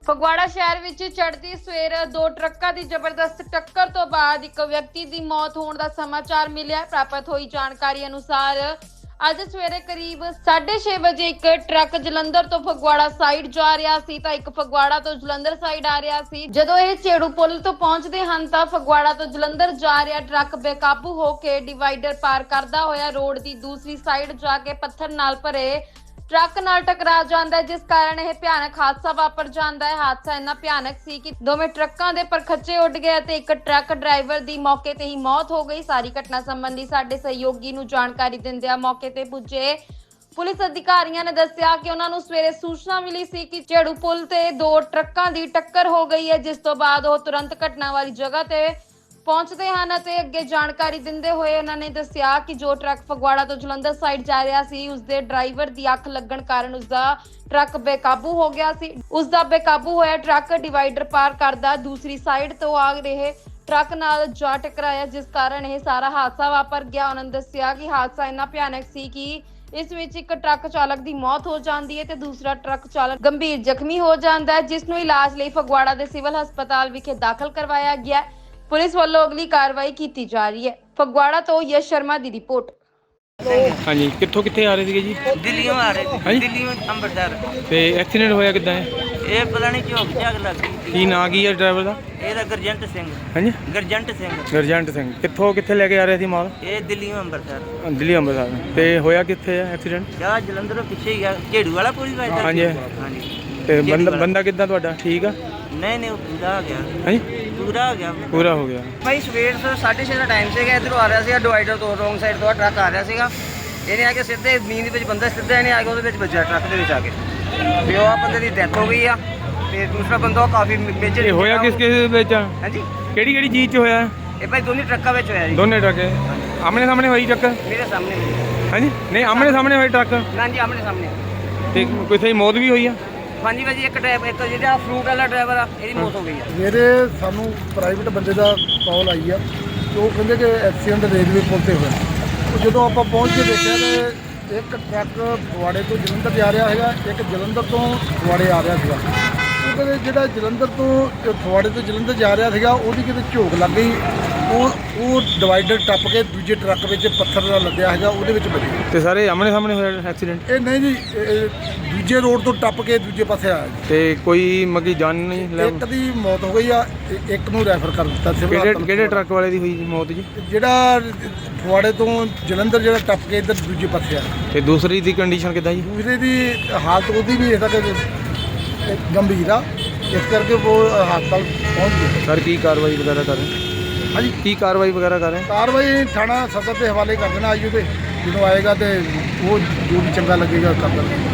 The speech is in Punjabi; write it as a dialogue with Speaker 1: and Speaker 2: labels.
Speaker 1: ਫਗਵਾੜਾ ਸ਼ਹਿਰ ਵਿੱਚ ਚੜ੍ਹਦੀ ਸਵੇਰ ਦੋ ਟਰੱਕਾਂ ਦੀ ਜ਼ਬਰਦਸਤ ਟੱਕਰ ਤੋਂ ਬਾਅਦ ਇੱਕ ਵਿਅਕਤੀ ਦੀ ਮੌਤ ਹੋਣ ਦਾ ਸਮਾਚਾਰ ਮਿਲਿਆ। ਪ੍ਰਾਪਤ ਹੋਈ ਜਾਣਕਾਰੀ ਅਨੁਸਾਰ ਅੱਜ ਸਵੇਰੇ ਕਰੀਬ 6:30 ਵਜੇ ਇੱਕ ਟਰੱਕ ਜਲੰਧਰ ਤੋਂ ਫਗਵਾੜਾ ਸਾਈਡ ਜਾ ਰਿਹਾ ਸੀ ਤਾਂ ਇੱਕ ਫਗਵਾੜਾ ਤੋਂ ਜਲੰਧਰ ਸਾਈਡ ਆ ਰਿਹਾ ਸੀ। ਜਦੋਂ ਇਹ ਝੇੜੂ ਪੁਲ ਤੋਂ ਪਹੁੰਚਦੇ ਹਨ ਤਾਂ ਫਗਵਾੜਾ ਤੋਂ ਜਲੰਧਰ ਜਾ ਰਿਹਾ ਟਰੱਕ ਬੇਕਾਬੂ ਹੋ ਕੇ ਡਿਵਾਈਡਰ ਪਾਰ ਕਰਦਾ ਹੋਇਆ ਰੋਡ ਦੀ ਦੂਸਰੀ ਸਾਈਡ ਜਾ ਕੇ ਪੱਥਰ ਨਾਲ ਭਰੇ ਟਰੱਕ ਨਾਲ ਟਕਰਾ ਜਾਂਦਾ ਹੈ, ਜਿਸ ਕਾਰਨ ਇਹ ਭਿਆਨਕ ਹਾਦਸਾ ਵਾਪਰ ਜਾਂਦਾ ਹੈ। ਹਾਦਸਾ ਇੰਨਾ ਭਿਆਨਕ ਸੀ ਕਿ ਦੋਵੇਂ ਟਰੱਕਾਂ ਦੇ ਪਰਖੱਚੇ ਉੱਡ ਗਏ ਅਤੇ ਇੱਕ ਟਰੱਕ ਡਰਾਈਵਰ ਦੀ ਮੌਕੇ ਤੇ ਹੀ ਮੌਤ ਹੋ ਗਈ। ਸਾਰੀ ਘਟਨਾ ਸੰਬੰਧੀ ਸਾਡੇ ਸਹਿਯੋਗੀ ਨੂੰ ਜਾਣਕਾਰੀ ਦਿੰਦਿਆਂ ਮੌਕੇ ਤੇ ਪੁੱਜੇ ਪੁਲਿਸ ਅਧਿਕਾਰੀਆਂ ਨੇ ਦੱਸਿਆ ਕਿ ਉਹਨਾਂ ਨੂੰ ਸਵੇਰੇ ਸੂਚਨਾ ਮਿਲੀ ਸੀ ਕਿ ਝੇੜੂ ਪੁਲ ਤੇ ਦੋ ਟਰੱਕਾਂ ਦੀ ਟੱਕਰ ਹੋ ਗਈ ਹੈ, ਜਿਸ ਤੋਂ ਬਾਅਦ ਉਹ ਤੁਰੰਤ ਘਟਨਾ ਵਾਲੀ ਜਗ੍ਹਾ ਤੇ ਪਹੁੰਚਦੇ ਹਨ ਅਤੇ ਅੱਗੇ ਜਾਣਕਾਰੀ ਦਿੰਦੇ ਹੋਏ ਉਹਨਾਂ ਨੇ ਦੱਸਿਆ ਕਿ ਜੋ ਟਰੱਕ ਫਗਵਾੜਾ ਤੋਂ ਜਲੰਧਰ ਸਾਈਡ ਜਾ ਰਿਹਾ ਸੀ ਉਸਦੇ ਡਰਾਈਵਰ ਦੀ ਅੱਖ ਲੱਗਣ ਕਾਰਨ ਉਸਦਾ ਟਰੱਕ ਬੇਕਾਬੂ ਹੋ ਗਿਆ ਸੀ। ਉਸਦਾ ਬੇਕਾਬੂ ਹੋਇਆ ਟਰੱਕ ਡਿਵਾਈਡਰ ਪਾਰ ਕਰਦਾ ਦੂਸਰੀ ਸਾਈਡ ਤੋਂ ਆ ਰਹੇ ਟਰੱਕ ਨਾਲ ਜਾ ਟਕਰਾਇਆ, ਜਿਸ ਕਾਰਨ ਇਹ ਸਾਰਾ ਹਾਦਸਾ ਵਾਪਰ ਗਿਆ। ਉਹਨਾਂ ਨੇ ਦੱਸਿਆ ਕਿ ਹਾਦਸਾ ਇੰਨਾ ਭਿਆਨਕ ਸੀ ਕਿ ਇਸ ਵਿੱਚ ਇੱਕ ਟਰੱਕ ਚਾਲਕ ਦੀ ਮੌਤ ਹੋ ਜਾਂਦੀ ਹੈ ਤੇ ਦੂਸਰਾ ਟਰੱਕ ਚਾਲਕ ਗੰਭੀਰ ਜ਼ਖਮੀ ਹੋ ਜਾਂਦਾ ਹੈ, ਜਿਸ ਨੂੰ ਇਲਾਜ ਲਈ ਫਗਵਾੜਾ ਦੇ ਸਿਵਲ ਹਸਪਤਾਲ ਵਿਖੇ ਦਾਖਲ ਕਰਵਾਇਆ ਗਿਆ ਹੈ। ਪੁਲਿਸ ਵੱਲੋਂ ਅਗਲੀ ਕਾਰਵਾਈ ਕੀਤੀ ਜਾ ਰਹੀ ਹੈ। ਫਗਵਾੜਾ ਤੋਂ ਯਸ਼ ਸ਼ਰਮਾ ਦੀ ਰਿਪੋਰਟ।
Speaker 2: ਹਾਂਜੀ, ਕਿੱਥੇ ਆ ਰਹੇ ਸੀਗੇ ਜੀ?
Speaker 3: ਦਿੱਲੀੋਂ ਆ ਰਹੇ ਸੀ, ਦਿੱਲੀੋਂ ਅੰਮ੍ਰਿਤਸਰ।
Speaker 2: ਤੇ ਐਕਸੀਡੈਂਟ ਹੋਇਆ ਕਿੱਦਾਂ ਹੈ?
Speaker 3: ਇਹ ਪਤਾ ਨਹੀਂ ਝੋਕ ਝਾਕ ਲੱਗ ਗਈ।
Speaker 2: ਕੀ ਨਾਂ ਕੀ ਹੈ ਡਰਾਈਵਰ ਦਾ?
Speaker 3: ਇਹਦਾ ਗੁਰਜੰਟ ਸਿੰਘ।
Speaker 2: ਹਾਂਜੀ, ਗੁਰਜੰਟ ਸਿੰਘ। ਕਿੱਥੇ ਲੈ ਕੇ ਆ ਰਹੇ ਸੀ ਮਾਲ?
Speaker 3: ਇਹ ਦਿੱਲੀੋਂ ਅੰਮ੍ਰਿਤਸਰ।
Speaker 2: ਦਿੱਲੀ ਅੰਮ੍ਰਿਤਸਰ। ਤੇ ਹੋਇਆ ਕਿੱਥੇ ਹੈ ਐਕਸੀਡੈਂਟ?
Speaker 3: ਜਾਂ ਜਲੰਧਰੋਂ ਪਿੱਛੇ ਹੀ ਆ, ਝੇੜੂ ਵਾਲਾ ਪੁਲ ਵੱਜਦਾ।
Speaker 2: ਹਾਂਜੀ
Speaker 3: ਹਾਂਜੀ।
Speaker 2: ਤੇ ਬੰਦਾ ਕਿੱਦਾਂ ਤੁਹਾਡਾ? ਠੀਕ ਆ?
Speaker 3: ਨਹੀਂ ਉਹ ਪੂਰਾ ਹੋ ਗਿਆ।
Speaker 2: ਹਾਂਜੀ, ਪੂਰਾ ਹੋ ਗਿਆ।
Speaker 3: ਭਾਈ ਸਵੇਰ 6:30 ਦਾ ਟਾਈਮ ਸੀਗਾ, ਇੱਧਰੋਂ ਆ ਰਿਹਾ ਸੀਗਾ ਡਿਵਾਈਡਰ ਤੋਂ, ਰੋਂਗ ਸਾਈਡ ਤੋਂ ਟਰੱਕ ਆ ਰਿਹਾ ਸੀਗਾ। ਇਹਨੇ ਆ ਕੇ ਸਿੱਧੇ ਜ਼ਮੀਨ ਦੇ ਵਿੱਚ ਬੰਦਾ ਸਿੱਧਾ ਇਹਨੇ ਆ ਕੇ ਉਹਦੇ ਵਿੱਚ ਵੱਜਿਆ, ਟਰੱਕ ਦੇ ਵਿੱਚ ਆ ਕੇ। ਤੇ ਉਹ ਬੰਦੇ ਦੀ ਡੈਥ ਹੋ ਗਈ ਆ ਤੇ ਦੂਸਰਾ ਬੰਦਾ ਕਾਫੀ ਮੇਜਰ
Speaker 2: ਹੋਇਆ ਕਿਸ ਵਿੱਚ?
Speaker 3: ਹਾਂਜੀ,
Speaker 2: ਕਿਹੜੀ ਚੀਜ਼ 'ਚ ਹੋਇਆ
Speaker 3: ਇਹ ਭਾਈ ਦੋਨੇ ਟਰੱਕਾਂ ਵਿੱਚ ਹੋਇਆ ਜੀ।
Speaker 2: ਦੋਨੇ ਟਰੱਕ ਆਮਣੇ ਸਾਹਮਣੇ ਹੋਈ ਟੱਕਰ?
Speaker 3: ਮੇਰੇ ਸਾਹਮਣੇ।
Speaker 2: ਹਾਂਜੀ, ਨਹੀਂ ਆਮਣੇ ਸਾਹਮਣੇ ਹੋਏ ਟਰੱਕ?
Speaker 3: ਹਾਂਜੀ, ਆਮਣੇ ਸਾਹਮਣੇ।
Speaker 2: ਤੇ ਕਿਸੇ ਦੀ ਮੌਤ ਵੀ ਹੋਈ ਆ?
Speaker 3: ਹਾਂਜੀ ਭਾਜੀ, ਇੱਕ ਜਿਹੜਾ ਫਰੂਟ ਵਾਲਾ ਡਰਾਈਵਰ ਆ ਇਹਦੀ ਮੌਤ ਹੋ ਗਈ ਆ।
Speaker 4: ਮੇਰੇ ਸਾਨੂੰ ਪ੍ਰਾਈਵੇਟ ਬੰਦੇ ਦਾ ਕਾਲ ਆਈ ਆ ਤੇ ਉਹ ਕਹਿੰਦੇ ਕਿ ਐਕਸੀਡੈਂਟ ਰੇਲਵੇ ਪੁਲ ਤੇ ਹੋਇਆ। ਜਦੋਂ ਆਪਾਂ ਪਹੁੰਚ ਕੇ ਦੇਖਿਆ ਤੇ ਇੱਕ ਟਰੱਕ ਫਗਵਾੜੇ ਤੋਂ ਜਲੰਧਰ ਜਾ ਰਿਹਾ ਹੈਗਾ, ਇੱਕ ਜਲੰਧਰ ਤੋਂ ਫਗਵਾੜੇ ਆ ਰਿਹਾ ਸੀਗਾ। ਉਹ ਕਹਿੰਦੇ ਜਿਹੜਾ ਜਲੰਧਰ ਤੋਂ ਫਗਵਾੜੇ ਤੋਂ ਜਲੰਧਰ ਜਾ ਰਿਹਾ ਸੀਗਾ ਉਹਦੀ ਕਿਤੇ ਝੋਕ ਲੱਗ ਗਈ, ਉਹ ਡਿਵਾਈਡਰ ਟੱਪ ਕੇ ਦੂਜੇ ਟਰੱਕ ਵਿੱਚ ਪੱਥਰ ਦਾ ਲੱਦਿਆ ਹੈਗਾ, ਉਹਦੇ ਵਿੱਚ ਵੱਜੀ।
Speaker 2: ਤੇ ਸਾਰੇ ਆਮਣੇ ਸਾਹਮਣੇ ਹੋਇਆ ਐਕਸੀਡੈਂਟ?
Speaker 4: ਇਹ ਨਹੀਂ ਜੀ, ਦੂਜੇ ਰੋਡ ਤੋਂ ਟੱਪ ਕੇ ਦੂਜੇ ਪਾਸੇ ਆਇਆ ਜੀ।
Speaker 2: ਤੇ ਕੋਈ ਮਗੀ ਜਾਨ ਨਹੀਂ ਲੈ?
Speaker 4: ਇੱਕ ਦੀ ਮੌਤ ਹੋ ਗਈ ਆ, ਇੱਕ ਨੂੰ ਰੈਫਰ ਕਰ ਦਿੱਤਾ ਸਿਵਲ ਹਸਪਤਾਲ।
Speaker 2: ਕਿਹੜੇ ਟਰੱਕ ਵਾਲੇ ਦੀ ਹੋਈ ਮੌਤ ਜੀ?
Speaker 4: ਜਿਹੜਾ ਫਗਵਾੜੇ ਤੋਂ ਜਲੰਧਰ ਜਿਹੜਾ ਟੱਪ ਕੇ ਇੱਧਰ ਦੂਜੇ ਪਾਸੇ ਆ।
Speaker 2: ਤੇ ਦੂਸਰੀ ਦੀ ਕੰਡੀਸ਼ਨ ਕਿੱਦਾਂ ਜੀ?
Speaker 4: ਦੂਸਰੇ ਦੀ ਹਾਲਤ ਉਹਦੀ ਵੀ ਇਹਦਾ ਗੰਭੀਰ ਆ, ਇਸ ਕਰਕੇ ਉਹ ਹਸਪਤਾਲ ਪਹੁੰਚ ਗਏ।
Speaker 2: ਸਰ ਕੀ ਕਾਰਵਾਈ ਵਗੈਰਾ ਕਰ ਰਹੇ?
Speaker 4: ਹਾਂਜੀ,
Speaker 2: ਕੀ ਕਾਰਵਾਈ ਵਗੈਰਾ ਕਰ ਰਹੇ?
Speaker 4: ਕਾਰਵਾਈ ਥਾਣਾ ਸਦਰ ਦੇ ਹਵਾਲੇ ਕਰ ਦੇਣਾ ਆਈਓ ਤੇ ਜਦੋਂ ਆਏਗਾ ਤੇ ਉਹ ਜੋ ਵੀ ਚੰਗਾ ਲੱਗੇਗਾ ਕਰ ਦੇਣਾ।